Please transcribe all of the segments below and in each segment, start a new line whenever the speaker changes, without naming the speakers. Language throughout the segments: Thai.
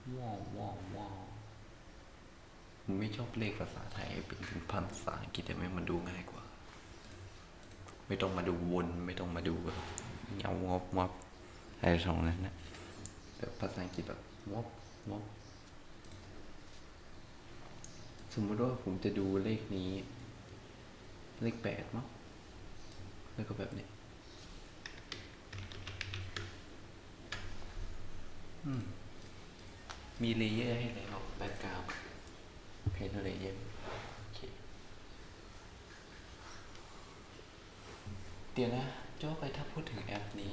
ว้าวว้าวว้าวผมไม่ชอบเลขภาษาไทยเป็นภาษาอังกฤษแต่ไม่มันดูง่ายกว่าไม่ต้องมาดูวนไม่ต้องมาดูแบบเงางบงบอะไรทรงนั้นนะแต่ภาษาอังกฤษแบบงบงบสมมติว่าผมจะดูเลขนี้เลข8มั้งแล้วก็แบบนี้มีเลเยอร์ให้แล้วแบ็กกราวด์เพนเลเยอร์โอเคเดี๋ยวนะโจ้ไปถ้าพูดถึงแอปนี้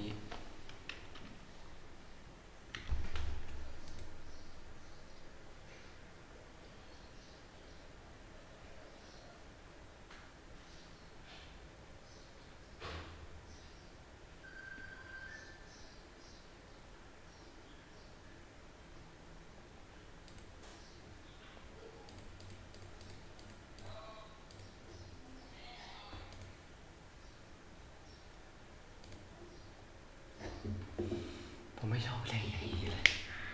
ผมไม่ชอบเลขอย่างนี้เลย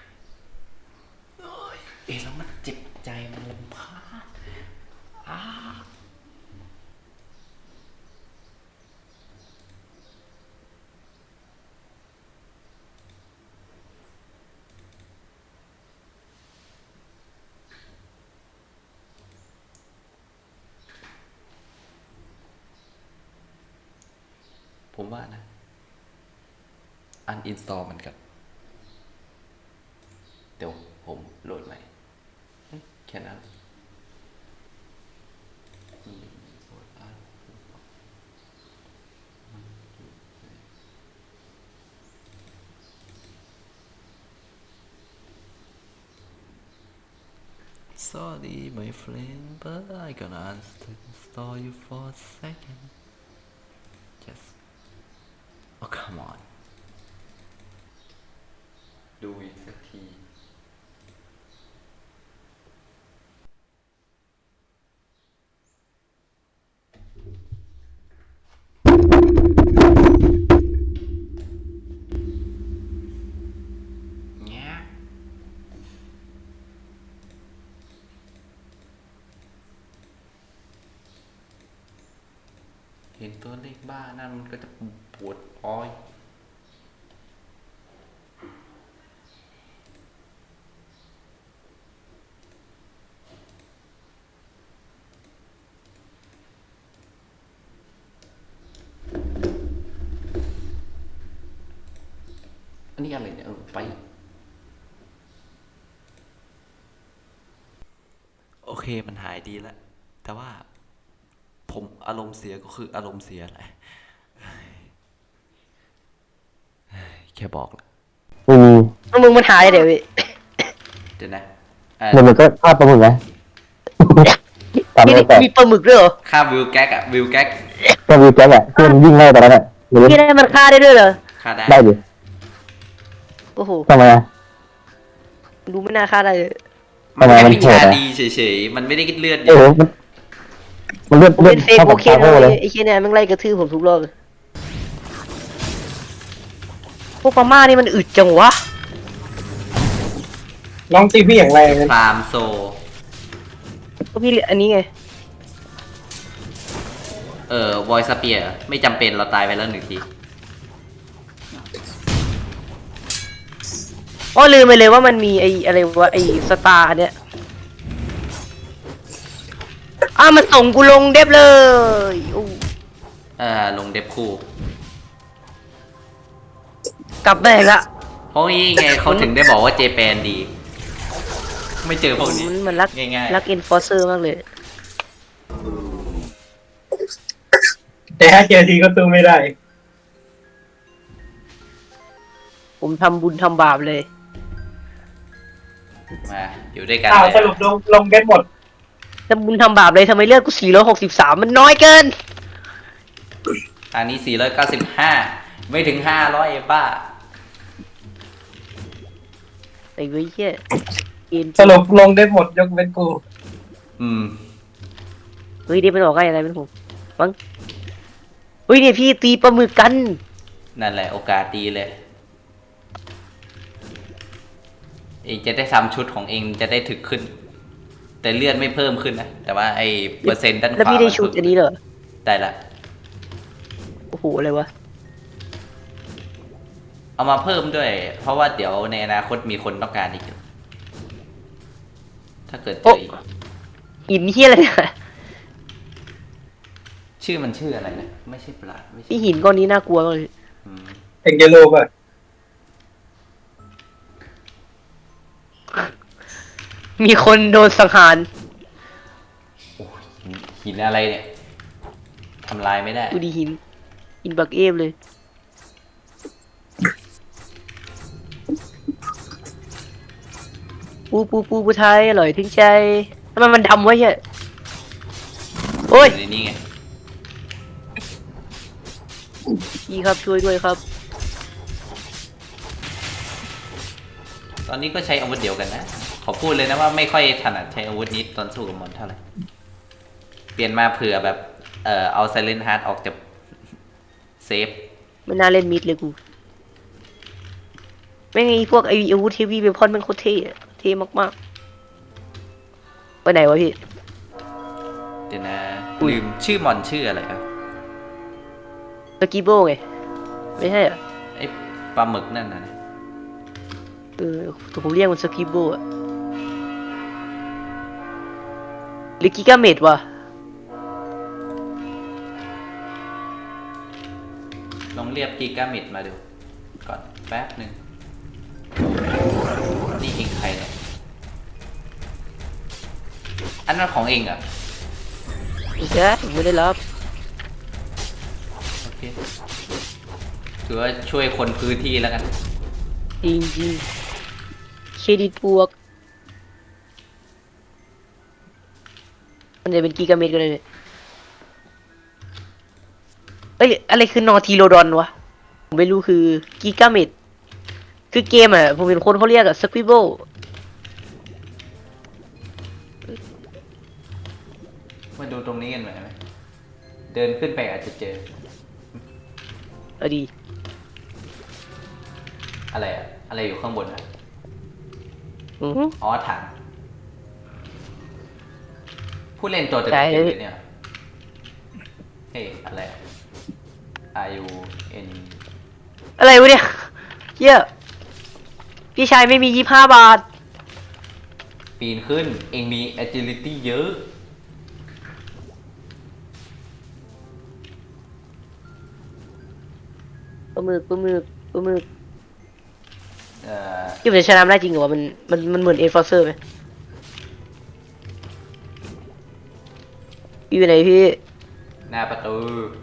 แล้วมันเจ็บใจมันรำคาญอ้าผมว่านะอันอินสตอลมันกันเดี๋ยวผมโหลดใหม่แค่นั้น Sorry my friend but I gonna uninstall you for a second just oh come on ดูอีกสักทีเงี้ยเห็นตัวเลขบ้านั่นมันก็จะปวดอ้อยอันนี้อะไรเนี่ยไปโอเคมันหายดีแล้วแต่ว่าผมอารมณ์เสียก็คืออารมณ์เสียแหละแค่บอกแหละ
ไม่มี
แล้วมึงมันหายเดี๋ยวพี่
เดี๋ยวนะ
เดี๋ยวมันก็ภาพประมึกไหมตาม
นี่
ไม่แต่
มีปลาหมึกด้วยเหรอ
ค่าวิวแก๊กอะวิวแก๊ก
ก็วิวแจ็คอะที่มันวิ่งไล่ตอนนั้นอะหรือ
พี่ได้มันฆ่าได้ด้วยเหรอ
ค่าได้
ได้ดิ
โอ้โห
ทำไมอะ
ดูไม่น่าฆ่าได้เลย
มันแค่วิ
ทำไมมันโหดอะ
ชาดีเฉยๆมันไม่ได้กินเลือดเย
โอ้โห
อะ
มันเลือด
ผม
เลือด
เป็นเฟก
เท่า
โอ
กับ
เค
ซาโก้เลย
นะไอ้เคียเนี่ยมันไล่กระทืบผมทุกรอบเลยพวกพม่านี่มันอึดจังวะ
น้องตีพี่อย่างไรกัน
ฟาร์มโซ
ก็พี่อันนี้ไง
วอยสเปียร์ไม่จำเป็นเราตายไปแล้ว1 ที
อ๋อลืมไปเลยว่ามันมีไอ้อะไรวะไอ้สตาร์เนี่ยมันส่งกูลงเดฟเลยอู้
ลงเดฟคู่
กลับได้ละ
เพราะงี้ไงเขาถึงได้บอกว่าเจแปนดี ไม่เจอพวกนี้
มันรัก
ง่าย
รักเอ็นฟอร์เซอร์มากเลย
แต่ถ้าเจอทีก็สู้ไม่ได้
ผมทำบุญทำบาปเลย
มาอยู่ด้วยกัน
สรุปลงกันหมด
ทำบุญทำบาปเลยทำไมเลือดกู463มันน้อยเกิน
ทางนี้495ไม่ถึง500บ้า
ไอ้เว้ยเหี้ย
สรุปลงได้หมดยกเว้นกู
เฮ้ยเดี๋ยวเป็นออกง่ายอะไรเป็นผมมั้งเฮ้ยเนี่ยพี่ตีปลาหมึกกัน
นั่นแหละโอกาสดีเลยเองจะได้ทำชุดของเองจะได้ถึกขึ้น แต่เลือดไม่เพิ่มขึ้นนะแต่ว่าไอ้เปอร์เซ็นต์ด้านข
แล้ว
วา
พี่ได้
มัน
ชุด
เพิ่ม
อันนี้เหรอ
ได้ละ
โอ้โหอะไรวะ
เอามาเพิ่มด้วย เพราะว่าเดี๋ยวในอนาคตมีคนต้องการอีกอยู่ถ้าเกิดเจ
โอ้
ออีก
หินเฮียอะไรเนี่ย
ชื่อมันชื่ออะไรนะไม่ใช่ปลาไม่ใช่
พี่หินก้อนนี้น่ากลัวมากเลย
อืม
เอ็งเยลโลป่ะ
มีคนโดนสังหาร
โอ้ยหินอะไรเนี่ยทำลายไม่ได้
ดูดิหินบักเอฟเลยปูไทยอร่อยถึงใจทำไมมันดำวะเฮียโอ้ย
ในนี้ไง
พี่ครับช่วยด้วยครับ
ตอนนี้ก็ใช้อาวุธเดียวกันนะ ขอพูดเลยนะว่าไม่ค่อยถนัดใช้อาวุธนี้ตอนสู้กับมอนเท่าไหร่ เปลี่ยนมาเผื่อแบบ เอาไซเลนฮาร์ดออกจากเซฟ
ไม่น่าเล่นมิดเลยกูไม่งไงพวกไออาวุธเทวีเวพอนมันโคตรเท่อะเท่มากๆไปไหนวะพี่
เดี๋ยวนะ
อุ๊ย
ลืมชื่อมอนชื่ออะไรครับ
สกีโบไง ไม่ใช่เหรอ
ไอ้ปลาหมึกนั่นนะ
แต่ผมเรียกมันสกีโบอะหรือกิกาเมดวะ
ลองเรียกกีกามิดมาดู ก่อนแป๊บหนึ่งนี่เองใครเนี่ย อันนั้นของเองเหรอ่ะ
ไม่ใช่ผมไม่ได้รับ
โอเคถือว่าช่วยคนพื้นที่แล้วกัน
จริงจริงเครดิตบวกมันจะเป็นกิกาเมตรก็ได้เลยเอ้ยอะไรคือนอทีโรดอนวะ ผมไม่รู้คือกิกาเมตรคือเกมอ่ะ ผมเห็นคนเขาเรียกอะสควิบเบิล
มาดูตรงนี้กันหน่อยไหมเดินขึ้นไปอาจจะเจอ
เอาดี
อะไรอะอะไรอยู่ข้างบนอะ
อือหือ
อ๋อถังผู้เล่นตัวเต็ม
ใช่
ๆเลยเนี่ยเฮ้ยอะไรอะ R U N
อะไรวะเนี่ยเหี้ยพี่ชายไม่มี25 บาท
ปีนขึ้น เองมี agility เยอะ
ปลาหมึก
เอ่อ
ที่มันจะชนะได้จริงเหรอวะมันเหมือนเอฟอร์เซอร์ไหมพี่อยู่ไหนพี่
หน้าประตู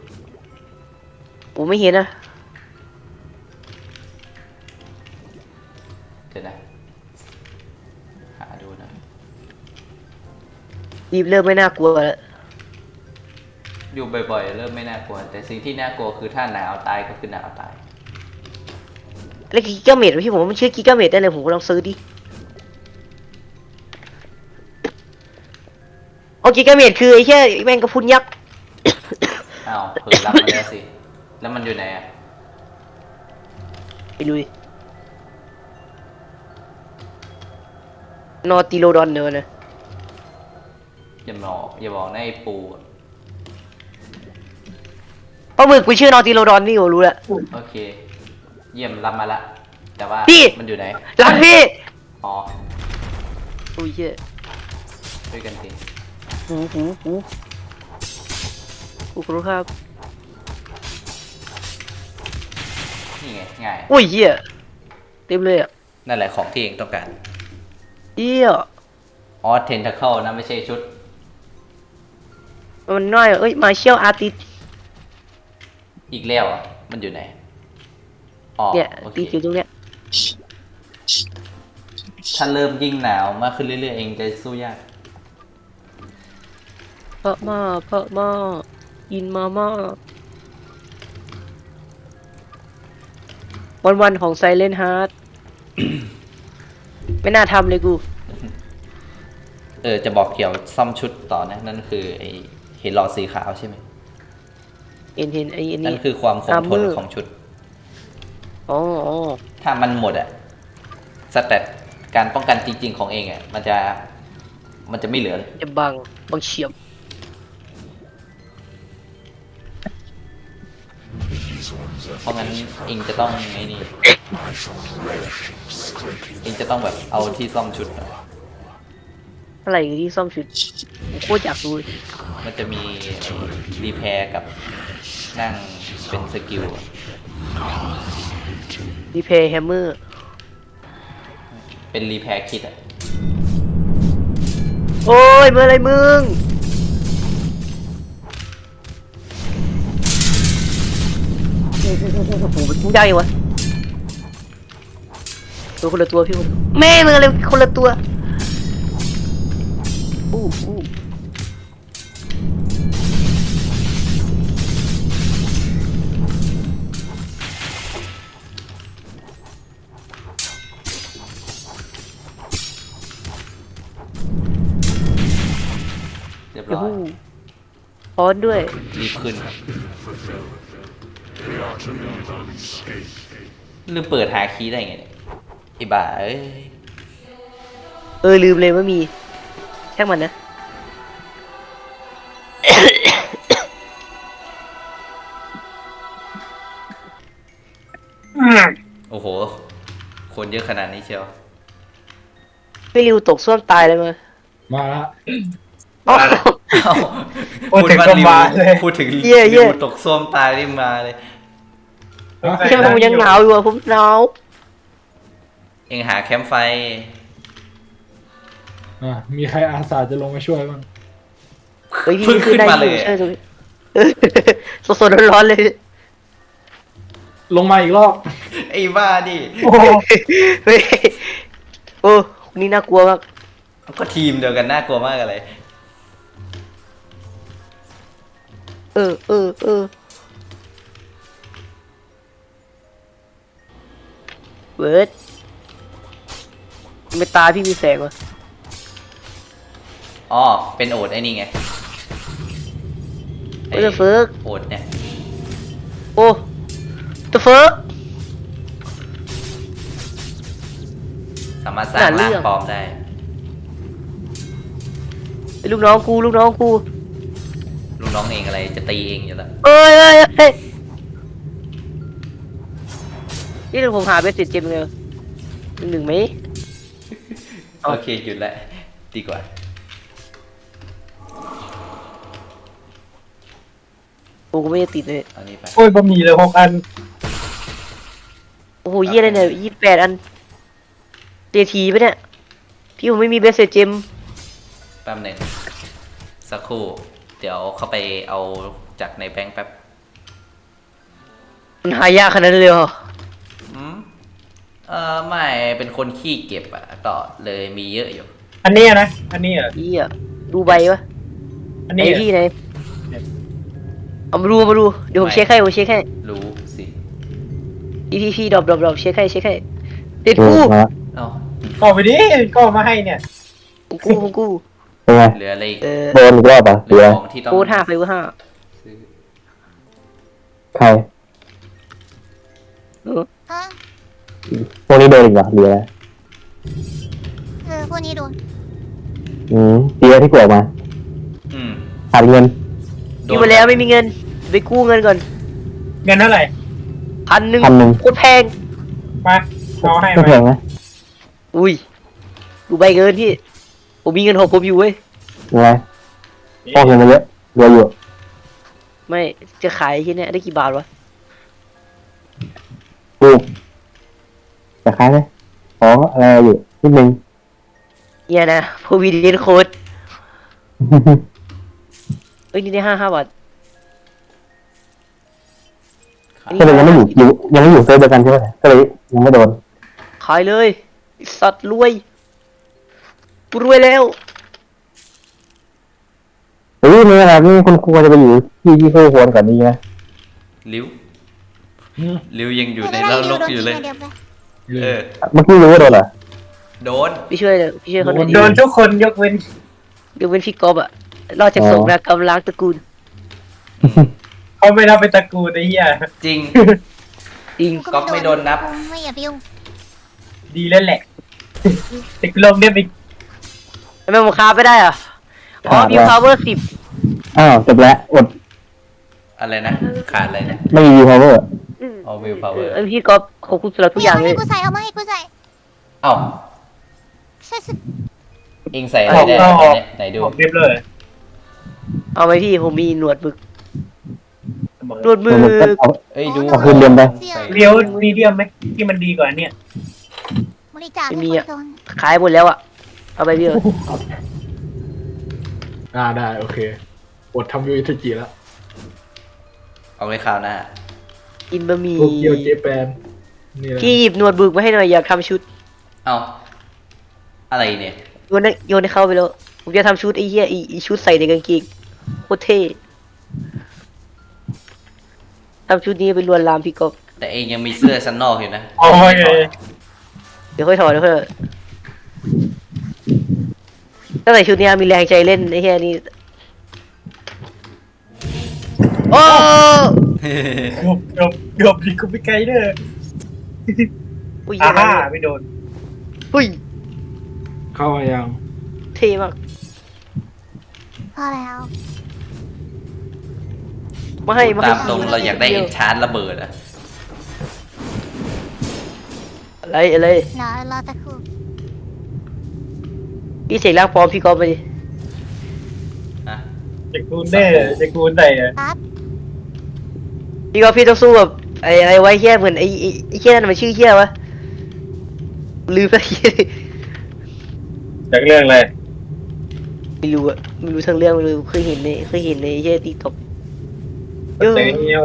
ผมไม่เห็นนะ
เดี๋ยวนะ หาดูหนะ
รีบเริ่มไม่น่ากลัวแล้ว
อยู่บ่อยๆ เริ่มไม่น่ากลัว แต่สิ่งที่น่ากลัวคือถ้าหนาวตายก็คือหนาวตาย
แล้วกิกาเมตรพี่ผมว่ามันชื่อกิกาเมตรได้เลยผมก็ลองซื้อดิเอากิกาเมตรคือไอ้แค่แมงกะพรุนยักษ์
อ้าวเผลอรับมาแล้วสิ แล้วมันอยู่ไหนอ่ะ
ไปดูดินอติโลดอนเนอะนะ
อย่าบอกนะไอ้ปูอะ
ปลาหมึกกูชื่อนอติโลดอนนี่ผมรู้แล้ว
โอเค เยี่ยมรับมาละ แต่ว่า
พี่
มันอยู่ไหน
รักพี่
อ๋อ
โอ้ยเหี้ย
ด้วยกันสิ
หูขอบคุณครับ
นี่ไง ง่าย
โอ้ยเหี้ยเต็มเลยอ่ะ
นั่นแหละของที่เองต้องการ
เหี้ย
อ๋อ เทนทาเคิลนะไม่ใช่ชุด
มันน้อยอะเอ้ยมาเชียลอาร์ติส
อีกแล้วอ่ะ มันอยู่ไหน อ๋อ
เนี่ย
โอเค
ตีอยู่ตรงเนี้ย
ถ้าเริ่มยิ่งหนาวมากขึ้นเรื่อยๆ เองจะสู้ยาก
เพราะมากินมาม่าวันของไซเลนฮาร์ด ไม่น่าทำเลยกู
จะบอกเกี่ยวซ่อมชุดต่อนะ นั่นคือไอเห็นหลอดสีขาวใช่ไหม
เห็นไอ้นี่
นั่นคือความคงทน
Armor
ของชุด
อ๋อ
ถ้ามันหมดอะสเตตการป้องกันจริง ๆ ของเองอ่ะมันจะไม่เหลือเลย
จะบังเฉียบ
เพราะงั้นเองจะต้องไอ้นี่เองจะต้องแบบเอาที่ซ่อมชุดอะ
อะไรที่ซ่อมชุดผมโคตรอยากรู้เลย
มันจะมีรีแพร์กับนั่งเป็นสกิลอะ
รีเพย์แฮมเมอร์
เป็นรีแพร์คิดอ่ะ
โอ้ยเมื่อไรมึงโอ้โหมันยากยังวะตัวคนละตัวพี่คนแม่มึงอะไรคนละตัวอู้
เรียบ
ยู
ร้อย
หูพร้อนด้วย
รีบขึ้นครับลืมเปิดหาคีย์ได้ไงเนี่ยไอ้บ้าเอ้ย
ลืมเลยว่ามีแค่มันนะ
โอ้โห คนเยอะขนาดนี้เชียว
ไม่ริวตกส้วมตายเลยมั้ย
มาละ
อ๋อ
เอ้า
พูดถึงก็มาเลย
พูดถึง
เย่เย่
ริวตกส้วมตายนี่มาเลย
ใช่ผมยังหนาวอยู่อะผมหนาว
เองหาแคมป์ไฟ
มีใครอาสาจะลงมาช่วยบ้าง
เฮ้ยพี่
เพิ่งขึ้นมาเลย
ใช่เลยสดๆร้อนๆเลย
ลงมาอีกรอบ
ไอ้บ้าดิ
โอ้โห
เฮ้ยโอ้นี่น่ากลัวมาก
ก็ทีมเดียวกันน่ากลัวมากอะไร
เออเวิร์ดไม่ตาพี่มีแสงวะ
อ๋อ เป็นโอดไอ้นี่ไง
เฮ้ยเฟิร์ก
โอดเนี่ย
โอ้ตัวเฟิร์ก
สามารถสร้าง
น่าเลื
ร่าง
อก
ปลอมได้
ไอ้ลูกน้องกู
ลูกน้องเองอะไรจะตีเองอยู่แล้ว
เอ้ยนี่เราผมหาเบสเสร็จเจมเลยหนึ่งไหม เอา
โอเค หยุดแล้วดีกว่า
กูก็ไม่ได้ติดเลย
เอานี้ไป
โอ้ยบะหมี่เลย6 อัน
โอ้โหเยี่ยอะไรเนี่ย28 อันเจทีปะเนี่ย พี่ผมไม่มีเบสเสร็จเจม
แป๊บหนึ่งสักครู่ เดี๋ยวเข้าไปเอาจากในแบงค์แป๊บ
มันหายากขนาดนั้นเลยเหรอ
อืมไม่เป็นคนขี้เก็บอ่ะก็เลยมีเยอะอยู่
อันนี้นะ อันนี้เหรอ
พี่อะดูใบวะ
อัน
ไหน
นี้เหรอ
พี่ไหนเอามาดูเดี๋ยวผม
ไม่
เช็คให้ผมเช็คให้
รู้สิ
พี่ดรอปเช็คให้ติด
ดู
กู
มา
เอ้า
ก็ไปดิก็มาให้เนี่ย
ของกู
เป็นไง
เหลืออะไรอีก
เออ
โดนอีกรอบอ่ะ
เห
เห ลือ
ลือของที่ต้อง
กู5ไปกู5
ซื้อ
ใคร
เออ
ฮะ
พวกนี้โดนอีกเหรอเหลือ
พวกนี้โดน
ดีแล้วที่กลัวมา
อืม
ขาดเงิน
อยู่มาแล้วไม่มีเงินไปกู้เงินก่อน
เงินเท่าไหร่
1,000โคตรแพง
มาเอาให้
ไม่
มา
แพงนะ
อุ้ยดูใบเกินพี่ผมมีเงินของผมอยู่เว้ย
ยังไงพอกเงินมาเยอะเหลืออยู่
ไม่จะขายที่เนี้ยได้กี่บาทวะ
ดูจะขายไหมขออะไรอยู่นิดนึง
เนี่ยนะโพวีเดนโค้ดเอ้ยนี่ได้5 บาท
ก็เลยยังไม่อยู่เซิร์ฟเดียวกันใช่ไหมก็เลยยังไม่โดน
ขายเลยไอ้สัตว์รวยกูรวยแล้ว
เฮ้ยนี่นะครับนี่คุณครูจะไปอยู่ที่คู่ควรกับนี้นะ
ลิ้ว
อืม
ลิ้วยังอยู่ใน
ไม่
แล้ว
ได้
ลก
โดน
อยู่เลย
ทีเดียวไป
เออ
เมื่อกี้รู้ว่าโดนเหรอ
โดน
พี่ช่วยเลยพี่ช่วยเขาหน่อยดิ
โดนทุกคนยกเว้น
เดี๋ยวเป็นพี่กอบอะรอดจากสงนากรรมล้างตระกูล
เขาไม่นับเป็นตระกูลไอ้เหี้ย
จริง
จริง
ก๊อฟไม่โดนนับ
ไม่อย่าไปยุ่ง
ดีแล้วแหละติดลมเนี่ยไป
ทำไมผมคาบไม่ได้อ่ะอ๋อวิวพาวเวอร์10
อ้าวจบแล้วอด
อะไรนะขาดอะไรนะ
ไม่มีวิวพาวเวอร์
เอาวิวพาวเวอร์
พี่ก๊อฟขอบคุณสำหรับทุกอย่าง
เอา
เล
มาย ให้กูใส่เอามาให้กูใส่
เอ้า
ใช่สิ
เองใส่อะไรได้ตอนเนี้ยไหนดู
ออกเรียบเลย
เอาไหมพี่ผมมีหนวดบึก
เสมอ
หนวดบึ
มันก็
ก
เอา
เอ้ยดู
เอาคืนเรียนไป
ใส่
เรียวมีเดียมไหมที่มันดีกว่าเนี่ย
บริจาค
ไม่
ให้
มี
คน
อ่ะ
จน
ขายหมดแล้วอ่ะเอาไปพี่เออ
ได้โอเคอดทำยูอิทจิแล้ว
เอาไว้คราวหน้า
กินบะหมี่
โตเกียวเจแปนนี่แหละ
พี่หยิบหนวดบึกมาให้หน่อยอยากทำชุด
เอาอะไรเนี่ย
โยนให้เข้าไปแล้วผมจะทำชุดไอ้เหี้ยไอ้ชุดใส่ในกางเกงโคตรเท่ทำชุดนี้ไปลวนลามพี่ก๊อฟ
แต่เองยังมีเสื้อชั้นนอกอยู่นะ
โอ้ย
เดี๋ยวค่อยถอดเดี๋ยวค่อยถอดถ้าใส่ชุดนี้มีแรงใจเล่นไอ้เหี้ยนี่โอ้
เกือบดีกูไปไกลเด้อ
อุ้ย
อ่าฮ่าไม่โดน
อุ้ย
เข้ามายัง
เท่มาก
พอแล้ว
มาให้
ตามตรงเราอยากได้เอ็นชาร์ระเบิดอะ
อะไรอะไร
รอตะครู่
พี่เสกร่างปลอมพี่ก๊อฟไปดิ
อะ
จะกูเด้อจะกูได้อะ
ปั๊บ
พี่ก๊อฟพี่ต้องสู้กับไอ้อะไรไว้เหี้ยเหมือนไอ้เหี้ยนั่นมันชื่อเหี้ยวะลืมไปเหี้ย
จากเรื่องอะไร
ไม่รู้อะไม่รู้ทั้งเรื่องไม่รู้เคยเห็นในไอ้เหี้ยติ๊กต็อก
แต่เงี้ย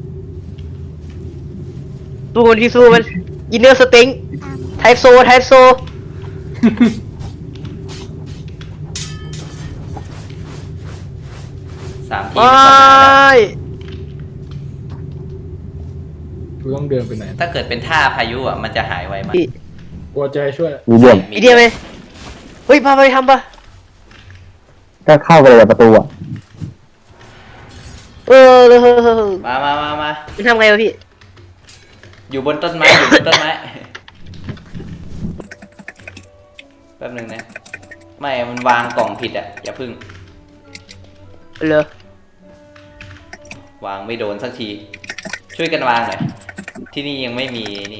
สู้มันพี่สู้มันยินเนอร์สเต็ง
ตาม
ไทป์โซ
3 ที
ไม่
มันก็หายแล้ว
กูต้องเดินไปไหน
ถ้าเกิดเป็นท่าพายุอะมันจะหายไวมาก
พี่
กลัวใจช่วย
มีเดียม
อีเดียไหมเฮ้ยพาไปทำปะ
ก็เข้าไปเลยประตูอ่ะ
เออ
มา
มันทำไงวะพี่
อยู่บนต้นไม้อยู่บนต้นไม้ แป๊บหนึงนะ ไม่ มันวางกล่องผิดอะอย่าพึ่ง
เหรอ
วางไม่โดนสักที ช่วยกันวางหน่อย ที่นี่ยังไม่มีนี่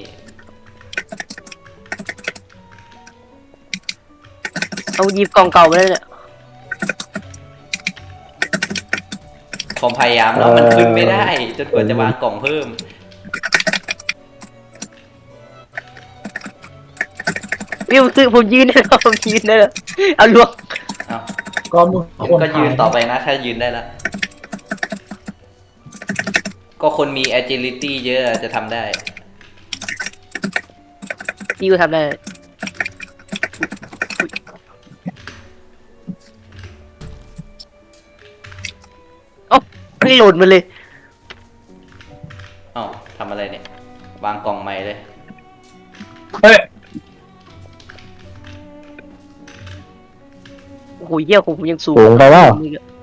เอาหยิบกล่องเก่ามาแล้วเนี่ย
ผมพยายามแล้วมันขึ้นไม่ได้ จนกว่าจะวางกล่องเพิ่ม
พี่ผมยืนได้แล้วผมยืนได้แล้วเอาลวก
เอา
ก็มึง
ผมก็ยืนต่อไปนะ ถ้ายืนได้แล้ว ก็คนมี agility เยอะจะทำได้
พี่ก็ทำได้เอ้าไม่โหลดมันเลย
เอ้าทำอะไรเนี่ย วางกล่องใหม่เลย
เฮ้ย
โอ้โหเยี่ยของผมยังสูง
สูงไปเปล่า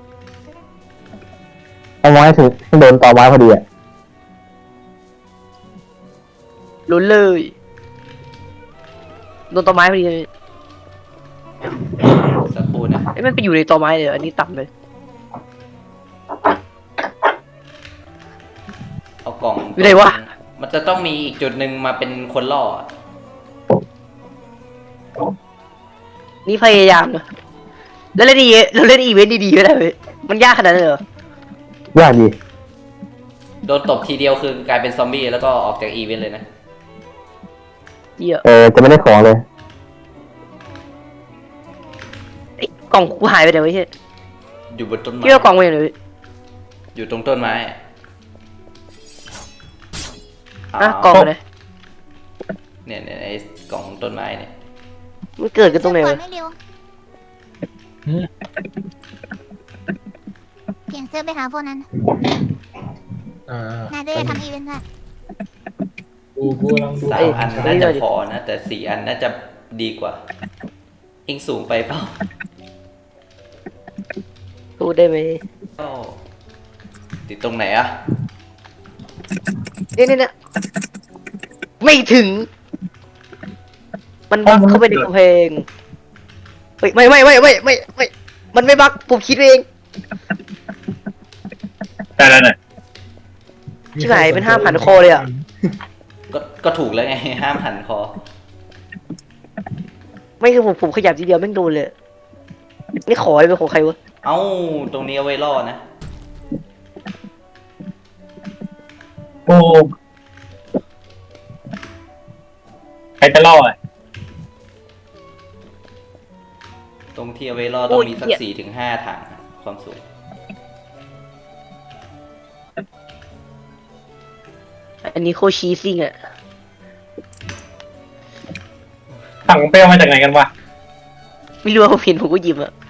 เอาไม้ถึงโดนต่อไม้พอดีอ่ะ
ล้นเลยโดนต้นไม้พอดีเลย
สักครู่นะ
ไอ้ยมันไปอยู่ในต้นไม้เลยเหรออันนี้ต่ำเลย
เอากล่อง
อยู่ไหนวะ
มันจะต้องมีอีกจุดหนึ่งมาเป็นคนล่ออะ
นี่พยายามนะแล้วเล่นเราเล่นอีเวนต์ดีๆไม่ได้เว้ยมันยากขนาดนั้นเลยเหรอ
ยากดี
โดนตบทีเดียวคือกลายเป็นซอมบี้แล้วก็ออกจากอีเวนต์เลยนะ
เยี่ย
จะไม่ได้ของเลย
ไอ้กล่องกูหายไปไหนวะเฮ้ย
อยู่บนต้นไม้
พี่เอากล่องไปไหนเลย
อยู่ตรงต้นไม้อะ
อ่ะกล่องไปไหน
เนี่ยไอ้กล่องต้นไม้เนี่ย
มันเกิดกันตรงไหน
เสื้อ
วะ
ก่อไม่เร็ว
หืม
เปลี่ยนเสื้อไปหาพวกนั้น
อ่าน
ายจะได้ทำอีเวนต์ด้วย
กูกำลังดู
3 อันน่าจะพอนะ แต่ 4 อันน่าจะดีกว่าเองสูงไปเปล่า
พูดได้ไหม
ก็ติดตรงไหนอะ
เนี่ยไม่ถึง ไปมันบักเข้าไปในกำแพงเฮ้ยไม่มันไม่บักผมคิดเอง
แต่ละน่ะ
ชิบหายเป็น5,000 คอเลยอะ
ก็ถูกแล้วไง ห้ามหันคอ
ไม่คือผมขยับทีเดียวแม่งโดนเลยนี่ขอเป็นของใครวะ
เอ้า ตรงนี้เอาไว้ล่อนะ
กูใครจะล่ออ่ะ
ตรงที่เอาไว้ล่อต้องมีสัก4 ถึง 5 ถังอะความสูง
อันนี้โคชีซิ่งอะ
ถังเปลวมาจากไหนกันวะ
ไม่รู้ว่าผมเห็นผมก็หยิบอะ